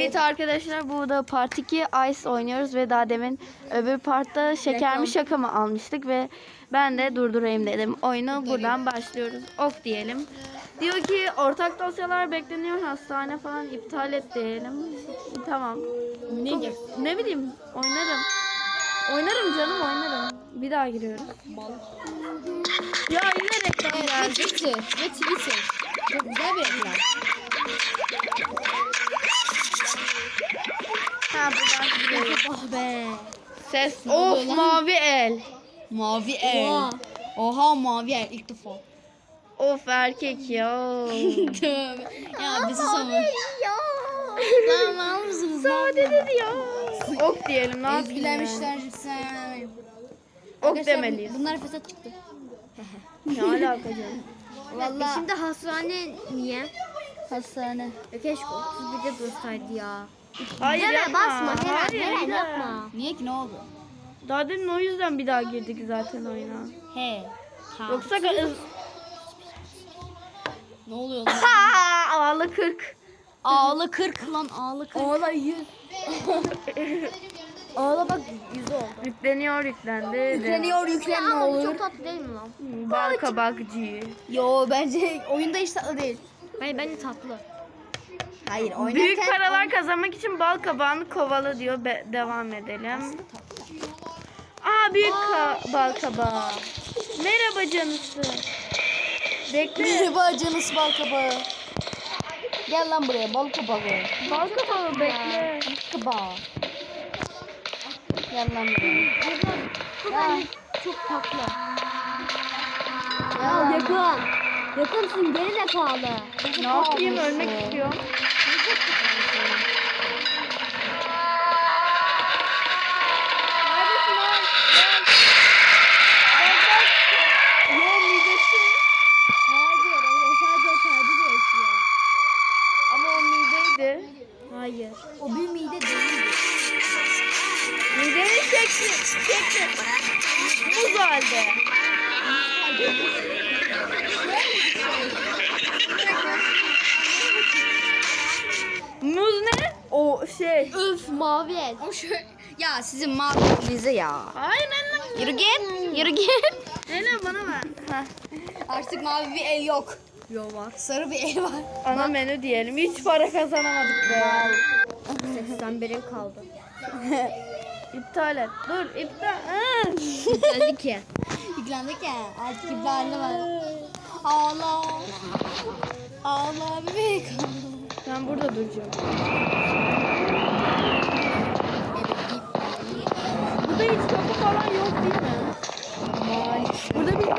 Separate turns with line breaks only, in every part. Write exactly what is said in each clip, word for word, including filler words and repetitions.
Evet arkadaşlar, bu da part iki Ice oynuyoruz ve daha demin öbür partta şeker mi şaka mı almıştık ve ben de durdurayım dedim. Oyunu buradan başlıyoruz. Ok diyelim. Diyor ki ortak dosyalar bekleniyor, hastane falan iptal et diyelim. Tamam.
Ne
Çok- ne bileyim, oynarım. Oynarım canım, oynarım. Bir daha giriyoruz. Ya yine reklam
Ve
geldi.
Twitter. Ve Twitter. Çok güzel bir reklam.
Ha, buradan giriyoruz.
Ah be.
Ses.
oluyor
Of,
lan?
mavi el.
Mavi el.
Oha.
Oha mavi el ilk defa.
Of, erkek ya.
Tövbe. Ya bizi savun. Lan mal mısınız?
Sade dedi ya. Ok diyelim, ne yapayım ben?
Ezgilemişler sen.
Ok demeliyiz.
Bunlar fesat çıktı.
Ne alaka canım?
Vallahi
Şimdi hastane niye?
hastane.
Ya keşke otuz birde dursaydı ya.
Hayır,
Deme,
yapma.
basma Heren,
Hayır,
Heren
hayır.
yapma.
Niye ki ne oldu?
Daha demin o yüzden bir daha girdik zaten oyuna.
He. Ha.
Yoksa
Ne oluyor lan?
ha, ağlı kırk.
Ağlı kırk lan ağlı kırk.
Ağla yüz. Ağla bak yüz oldu.
Yükleniyor, yüklendi.
Yükleniyor yüklen ne
Ama bu
olur?
çok tatlı değil mi lan?
Bal kabakcı.
Yo bence oyunda hiç tatlı değil.
Hayır bence tatlı.
Hayır oynarken.
Büyük paralar kazanmak için bal kabağını kovala diyor. Be- devam edelim. Aa, büyük ka- bal kabağı. Merhaba canısı. Bekle.
Merhaba canıs bal kabağı. Gel lan buraya bal kabağı.
Bal kabağı bekle.
Kabağı. Gel lan buraya.
Bu
Ya.
bence çok tatlı.
Ya
yakın. Yakınsın geri zekalı.
Ne yapayım, ölmek istiyorum. Neredesin lan? Bak bak. Yo, midesi.
Hayır o sadece o kalbi de yaşıyor.
Ama o mideydi.
Hayır. O bir mide değil.
Midenin şekli. Şekli. Muz halde. Muz ne? O şey.
Öf mavi el.
O şöyle. Ya sizin mağdurluğunuza ya.
Hayır lan.
Yürü git. Yürü git.
Nene bana ver. Heh.
Artık mavi bir el yok. Yok var. Sarı bir el var.
Ana menü diyelim. Hiç para kazanamadık be.
seksen birin kaldı.
İptal et. Dur, iptal. Aa.
Geldi ki.
Yüklendik ya. Artık iblarlı var. Ağla. Ağla bebek.
Ben burada duracağım. Burada hiç kapı falan yok değil mi? Burada bir...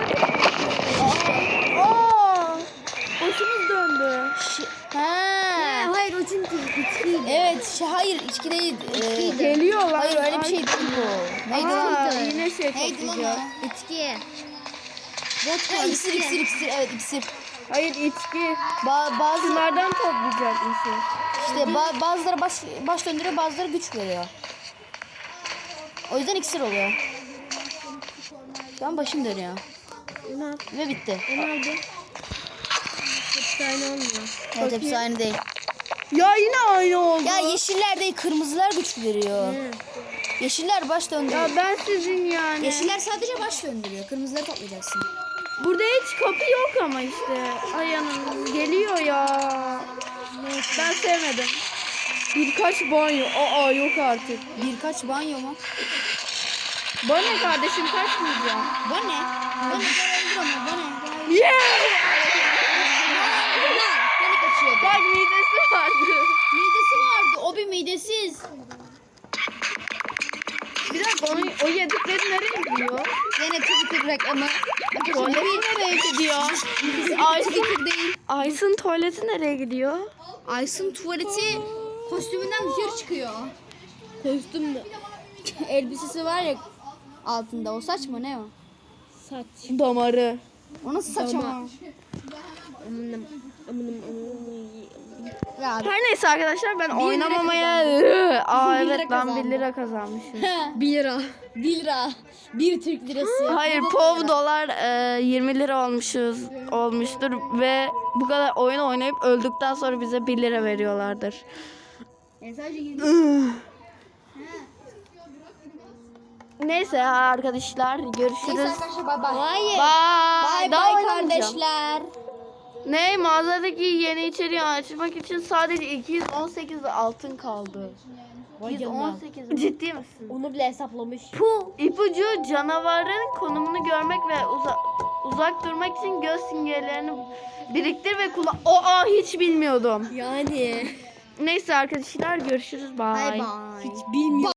Aa! Başımız döndü.
Ha.
Hayır o çünkü içkiydi.
Evet, şey, hayır içki değil. Ee,
Geliyor lan.
hayır öyle bir
Ay.
şey değil bu. Neydi
Aa,
lan?
yine şey
Neydi lan
toplayacağız.
o?
İçki.
Ha, iksir, iksir, iksir. Evet, iksir.
Hayır, içki.
Ba bazı
Şunlardan toplayacakmışız.
işte ba bazıları baş baş döndürüyor, bazıları güç veriyor. O yüzden iksir oluyor. Şu an başım dönüyor. Ve bitti.
Nerede? Hepsi aynı olmuyor.
Evet, hepsi aynı değil.
Ya yine aynı oldu.
Ya yeşiller değil, kırmızılar güç veriyor. Yeşiller baş döndürüyor.
Ya ben sizin yani.
Yeşiller sadece baş döndürüyor. Kırmızıları toplayacaksın.
Burada hiç kapı yok ama işte. Ay anam, geliyor ya. Ben sevmedim. Birkaç banyo. Aa, yok artık.
Birkaç banyo mu?
Bana ne kardeşim, kaçmayacağım.
Bu ne? Bu ne? Bu ne? Bu ne?
Yeah!
Beni kaçıyordu.
Bak, midesi vardı.
Midesi vardı. O bir midesiz.
Bir dakika, onu, o yedikleri nereye gidiyor?
Yine Twitter reklamı.
Tuvaleti nereye gidiyor?
Aysun Twitter değil.
Aysun tuvaleti nereye gidiyor?
Aysun tuvaleti kostümünden dışarı çıkıyor.
Kostüm mü?
Elbisesi var ya altında. O saç mı ne o?
Saç.
Damarı.
O nasıl saç ama?
Amınım, amınım, amınım.
Ya
Her neyse arkadaşlar, ben
Bir lira
oynamamaya... Aa
Bir lira
evet lan, bir
kazandı.
lira kazanmışım.
Bir lira.
bir lira. Bir Türk lirası.
Hayır, pov dolar e, yirmi lira olmuşuz olmuştur ve bu kadar oyun oynayıp öldükten sonra bize bir lira veriyorlardır.
Yani sadece yirmi.
Neyse arkadaşlar görüşürüz.
Neyse arkadaşlar bay bay.
Hayır.
Bye.
Bay
Daha
bay
oynamayacağım.
kardeşler.
Ne mağazadaki yeni içeriği açmak için sadece iki yüz on sekiz altın kaldı. iki yüz on sekiz ciddi misin?
Onu bile hesaplamış.
Puh. İpucu canavarın konumunu görmek ve uza- uzak durmak için göz simgelerini biriktir ve kullan. Aa hiç bilmiyordum.
Yani.
Neyse arkadaşlar görüşürüz. Bye.
Hiç bilmiyorum.